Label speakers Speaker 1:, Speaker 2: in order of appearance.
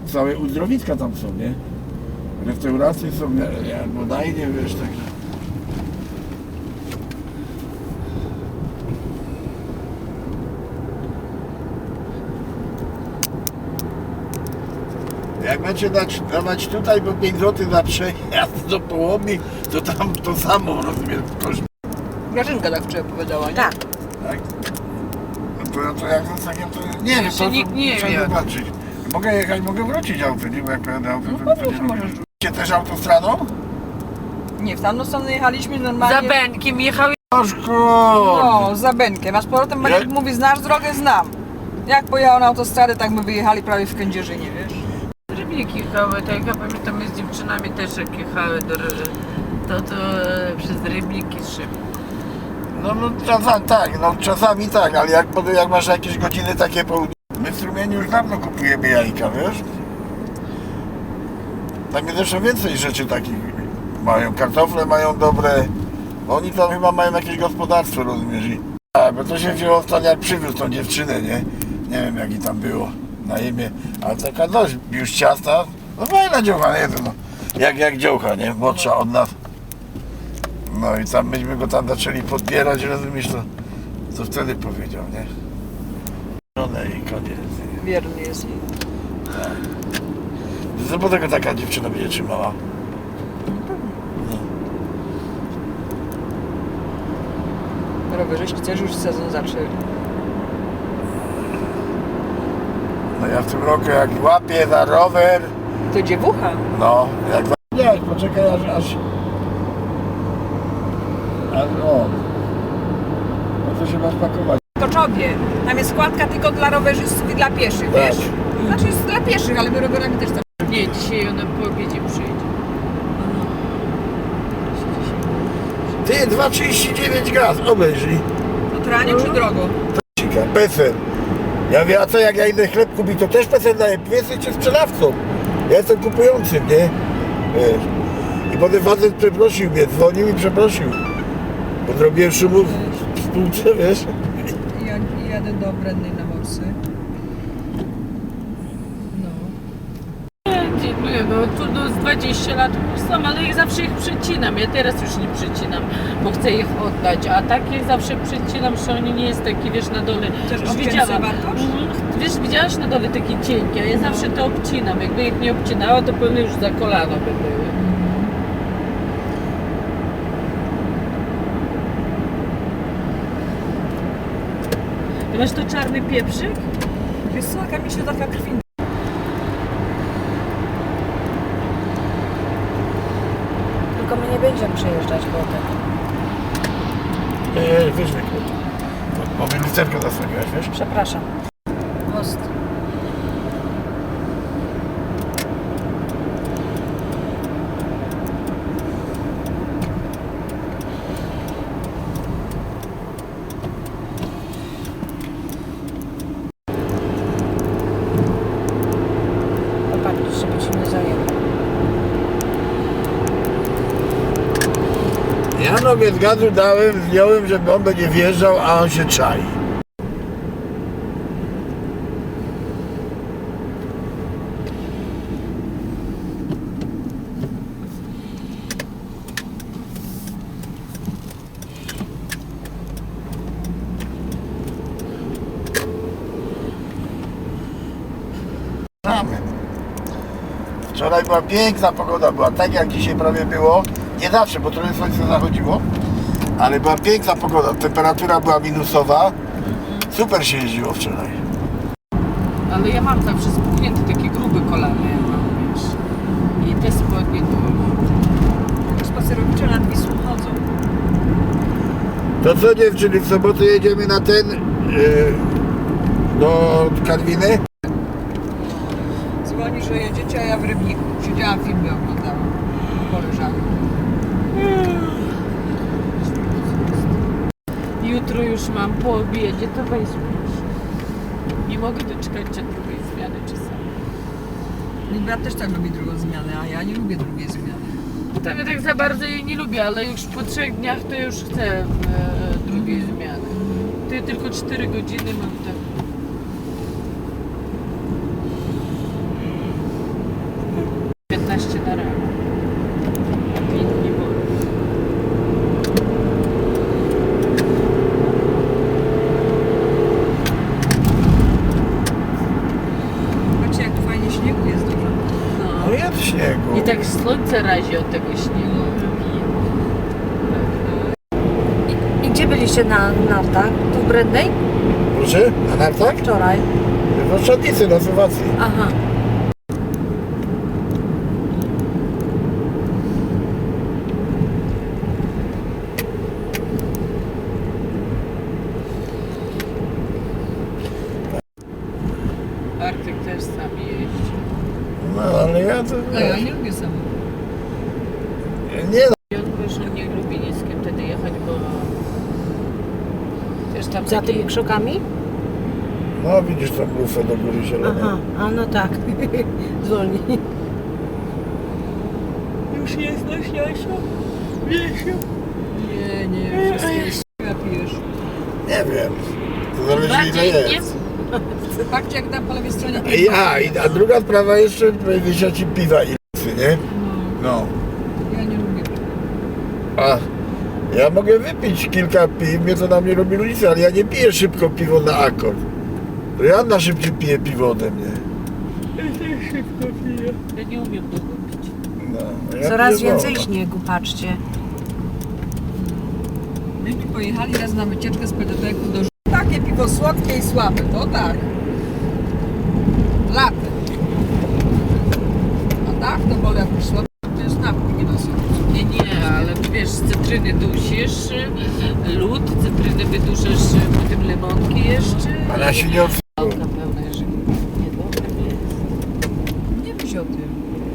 Speaker 1: całe uzdrowiska tam są, nie? Restauracje są, bodajnie, wiesz, także. Jak macie dawać tutaj po 5 zł za przejazd do Połomni, to tam to samo, rozumiesz, koszt.
Speaker 2: Grażynka tak wczoraj powiedziała, nie?
Speaker 3: Tak.
Speaker 1: Tak? No to jak zostanie, to nie wiem, to
Speaker 2: nikt nie
Speaker 1: trzeba
Speaker 2: wie.
Speaker 1: zobaczyć. Mogę jechać, mogę wrócić autem, nie? Bo jak pojadę autem,
Speaker 2: No
Speaker 1: to
Speaker 2: pewnie, że możesz.
Speaker 1: Idziecie też autostradą?
Speaker 2: Nie, w tamtą stronę jechaliśmy normalnie.
Speaker 3: Za Benkiem jechały.
Speaker 2: No, za Benkiem. A z powrotem Maciek mówi, znasz drogę? Znam. Jak pojechał na autostradę, tak my wyjechali prawie w Kędzierzynie, wiesz?
Speaker 3: Rybniki jechały, tak ja pamiętam, my z dziewczynami też jak jechały to przez Rybniki szybko.
Speaker 1: No czasami tak, czasami tak, ale jak masz jakieś godziny takie południe. My w Strumieniu już dawno kupujemy jajka, wiesz? Tam jest jeszcze więcej rzeczy takich. Mają kartofle, mają dobre. Oni tam chyba mają jakieś gospodarstwo, rozumiesz? Bo to się wzięło ostatnio, jak przywiózł tą dziewczynę, nie? Nie wiem jaki tam było na imię, ale taka dość już ciasta. No fajna dziołcha, nie? No, jak dziołcha, nie? Młodsza od nas. No i tam myśmy go tam zaczęli podbierać, rozumiesz, co wtedy powiedział, nie? Żonę i koniec.
Speaker 2: Wierny jest jej.
Speaker 1: Co po tego taka dziewczyna będzie trzymała?
Speaker 2: Rowerzyści też już sezon zaczęli.
Speaker 1: No ja w tym roku jak łapię za rower,
Speaker 2: To dziewucha.
Speaker 1: no jak... Nie, poczekaj aż... O... No to się ma spakować.
Speaker 2: W Koczowie. Tam jest składka tylko dla rowerzystów i dla pieszych,
Speaker 1: Tak.
Speaker 2: wiesz? Znaczy jest dla pieszych, ale my rowerami też tam.
Speaker 3: Nie, dzisiaj ona po obiedzie przyjdzie.
Speaker 1: Ty, 2,39 gaz, obejrzyj.
Speaker 2: To tranie czy drogo?
Speaker 1: PESEL. Ja mówię, a co jak ja idę chleb kupić, to też PESEL daje. Wy jesteście sprzedawcą. Ja jestem kupującym, nie? Wiesz. I potem facet przeprosił mnie, dzwonił i przeprosił. Bo zrobiłem szumu w spółce, wiesz?
Speaker 2: Ja jadę do Brennej na morsy. No.
Speaker 3: No tu do 20 lat sam, ale ja zawsze ich przecinam. Ja teraz już nie przecinam, bo chcę ich oddać, a tak ich zawsze przecinam, że oni nie jest taki, wiesz, na dole.
Speaker 2: Chcesz
Speaker 3: Już
Speaker 2: obciąć
Speaker 3: widziałam.
Speaker 2: wartość?
Speaker 3: Wiesz, widziałaś na dole takie cienkie, a ja zawsze to obcinam. Jakby ich nie obcinała, to pewnie już za kolano by były. Ty masz to czarny pieprzyk?
Speaker 2: Wiesz co, jaka mi się taka krwi.
Speaker 4: Tylko my nie będziemy przejeżdżać potem.
Speaker 1: Nie, weźmy go. Mówię, lusterkę zasłoniłaś, wiesz?
Speaker 4: Przepraszam.
Speaker 2: Most.
Speaker 4: Popatrz, żeby ci nie zajęło.
Speaker 1: Ja nogę z gazu dałem, zdjąłem, żeby on będzie wjeżdżał, a on się czai. Wczoraj była piękna pogoda, była tak jak dzisiaj prawie było. Nie zawsze, bo trochę słońce zachodziło, ale była piękna pogoda. Temperatura była minusowa. Super się jeździło wczoraj.
Speaker 3: Ale ja mam zawsze spuchnięte takie grube kolana, ja mam, wiesz. I te spodnie to...
Speaker 2: Spacerowicze nad Wisłą chodzą.
Speaker 1: To co dziewczyny, w sobotę jedziemy na ten do Karwiny?
Speaker 2: Dzwoni, że jedziecie, a ja w Rybniku. Siedziałam, filmy oglądałam. Koleżanki.
Speaker 3: Jutro już mam po obiedzie, to weź już. Nie mogę doczekać się drugiej zmiany czasami.
Speaker 2: Mój brat też tak lubi drugą zmianę, a ja nie lubię drugiej zmiany.
Speaker 3: Tak, ja tak za bardzo jej nie lubię, ale już po 3 dniach to już chcę drugiej zmiany. Ty tylko 4 godziny mam tak.
Speaker 1: śniegu.
Speaker 3: I tak słońce razi od tego śniegu.
Speaker 4: I gdzie byliście na nartach? Tu w Brednej?
Speaker 1: Proszę? A nartach?
Speaker 4: Wczoraj.
Speaker 1: W Oszczadnicy na Słowacji.
Speaker 4: Aha.
Speaker 3: Artyk też sam jeździ.
Speaker 1: No ale ja to...
Speaker 2: No ja nie lubię samochodu.
Speaker 1: Nie
Speaker 3: I on już nie lubi nic z kim wtedy jechać, bo też tam
Speaker 4: Za
Speaker 3: takie-
Speaker 4: tymi krzakami?
Speaker 1: no widzisz tą lufę do góry zielonej.
Speaker 4: Aha, a no tak. Zwolnij.
Speaker 3: Już nie znasz Jasiu? Wiesiu?
Speaker 2: Nie, wszystkie pijesz.
Speaker 1: Nie wiem. To zależy ile
Speaker 3: Bardziej nie
Speaker 1: jest.
Speaker 2: Patrzcie jak tam po lewej stronie.
Speaker 1: A druga sprawa jeszcze, powiedzieć ci piwa i lufy, nie? No.
Speaker 2: Ja nie lubię.
Speaker 1: A ja mogę wypić kilka piw, mnie to na mnie robi różnicę, ale ja nie piję szybko piwo na akord. To Joanna szybciej pije piwo ode mnie.
Speaker 3: Ja nie umiem długo pić.
Speaker 1: No, ja
Speaker 4: Coraz
Speaker 1: piję
Speaker 4: więcej
Speaker 1: wolno.
Speaker 4: śniegu, patrzcie.
Speaker 2: Myśmy pojechali raz na wycieczkę z PDP-ku do takie piwo słodkie i słabe, to tak. Latem. A tak to wolę jak już słabe, to jest napój, nie na słodko.
Speaker 3: Nie, ale tu wiesz, z cytryny dusisz, lód, cytryny wyduszasz, potem lemonki jeszcze.
Speaker 1: Ale ja się nie
Speaker 3: Pałka pełna, że niedobre jest.
Speaker 2: Nie myśl o tym.